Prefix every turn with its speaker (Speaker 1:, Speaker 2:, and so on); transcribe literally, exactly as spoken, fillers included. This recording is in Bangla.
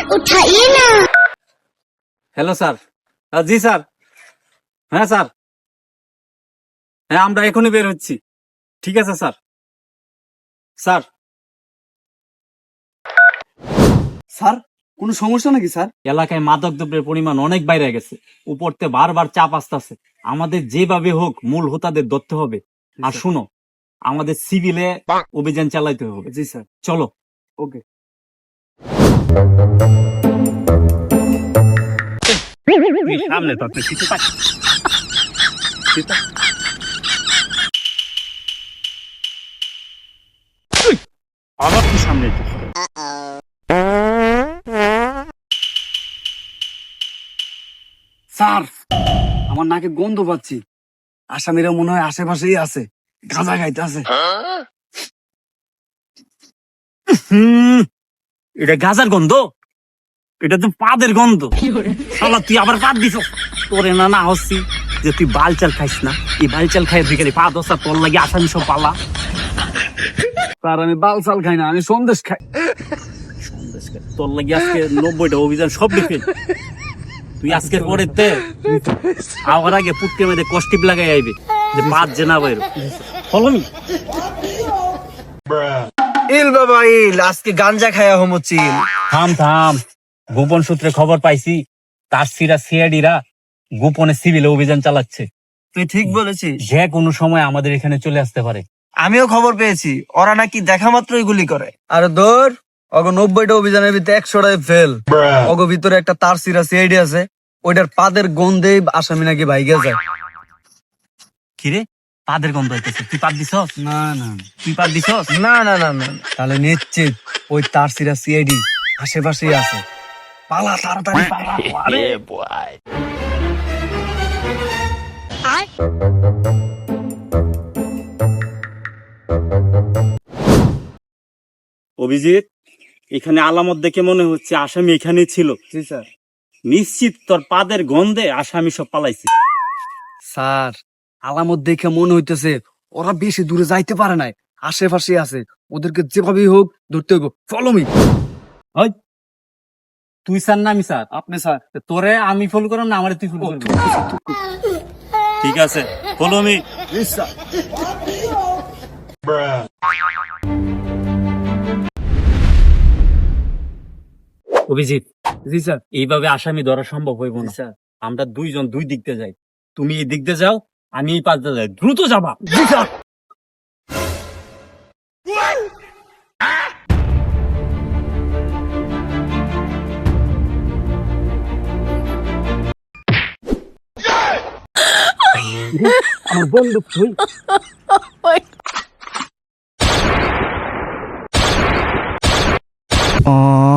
Speaker 1: उठाइए ना।
Speaker 2: Hello sir. জি স্যার। হ্যাঁ স্যার, হ্যাঁ আমরা এখনই বের হচ্ছি। ঠিক আছে স্যার। স্যার
Speaker 3: স্যার কোনো সমস্যা নাকি স্যার?
Speaker 2: এলাকায় মাদক দ্রব্যের পরিমাণ অনেক বাইরে গেছে, উপরতে বারবার চাপ আসতেছে। আমাদের যেভাবে হোক মূল হোতাদের ধরতে হবে। আর শুনো, আমাদের সিভিলে অভিযান চালাইতে হবে।
Speaker 3: জি স্যার।
Speaker 2: চলো।
Speaker 3: ওকে।
Speaker 2: সামনে তো আপনি কিছু পাচ্ছেন। আবার কি সামনে?
Speaker 3: স্যার আমার নাকে গন্ধ পাচ্ছি, আসামিরা মনে হয় আশেপাশেই আছে, গাঁজা খাইতে আছে।
Speaker 2: হুম, এটা গাজার গন্ধ, এটা তো পাদের গন্ধ। শালা তুই আবার পাদ দিছ। তোরে না না হচ্ছি যে তুই বাল চাল খাইস না, এই বাল চাল খাই বিকেলে পা দশা তোর লাগে আসামি সব পালা।
Speaker 3: স্যার আমি বাল চাল খাই না, আমি সন্দেশ খাই।
Speaker 2: সন্দেশ খাই। তোর লাগে আজকে নব্বইটা অভিযান সব ডিফেল। তুই আজকের পরে তে আবার আগে পুটকে মেয়েদের কষ্টিপ লাগাই আইবে যে পাঁচ জেনা বাইর ফলমি।
Speaker 4: ইল বাবা ইল, আজকে গাঞ্জা খায়া হমো চিল।
Speaker 2: থাম থাম, গোপন সূত্রে খবর পাইছি তার সিরা সিআইডিরা গোপনে সিভিলে অভিযান চালাচ্ছে।
Speaker 4: তুই ঠিক বলেছিস,
Speaker 2: যে কোনো সময় আমাদের এখানে চলে আসতে পারে।
Speaker 4: আমিও খবর পেয়েছি ওরা নাকি দেখা মাত্রই গুলি করে। আর ধর অগ নব্বইটা অভিযানের ভিতরে একশোটাই ফেল। অগ ভিতরে একটা তার সিরা সিআইডি আছে, ওইটার পাদের গন্ধে আসামি নাকি ভাইগে যায়।
Speaker 2: কিরে পাদের গন্ধ হইতেছে, তুই পাদ দিছস?
Speaker 3: না না
Speaker 2: তুই পাদ দিছস?
Speaker 4: না না না না,
Speaker 3: তাহলে নিশ্চিত ওই তার সিরা সিআইডি আশেপাশেই আছে। পালা তাড়াতাড়ি পালা। আরে
Speaker 2: অভিজিৎ, এখানে আলামত দেখে মনে হচ্ছে আসামি এখানেই ছিল।
Speaker 3: জি স্যার।
Speaker 2: নিশ্চিত তোর পাদের গন্ধে আসামি সব পালাইছে।
Speaker 3: স্যার আলামত দেখে মনে হইতেছে ওরা বেশি দূরে যাইতে পারে নাই, আশেপাশে আছে। ওদেরকে যেভাবেই হোক ধরতে হইব। Follow me.
Speaker 2: ওই তুই স্যার না আমি স্যার?
Speaker 3: আপনি স্যার।
Speaker 2: তোরে আমি ফলো করলাম না আমারে তুই ফলো করবি? ঠিক আছে, ফলো মি। অভিজিৎ,
Speaker 3: জি স্যার।
Speaker 2: এইভাবে আসামি ধরা সম্ভব হইব না
Speaker 3: স্যার।
Speaker 2: আমরা দুইজন দুই দিক দিয়ে যাই। তুমি এই দিক দিয়ে যাও, আমি এই পাশ দিয়ে যাই। দ্রুত যাবা।
Speaker 3: জি স্যার।
Speaker 2: আমার বন্দুক তুই।
Speaker 4: ও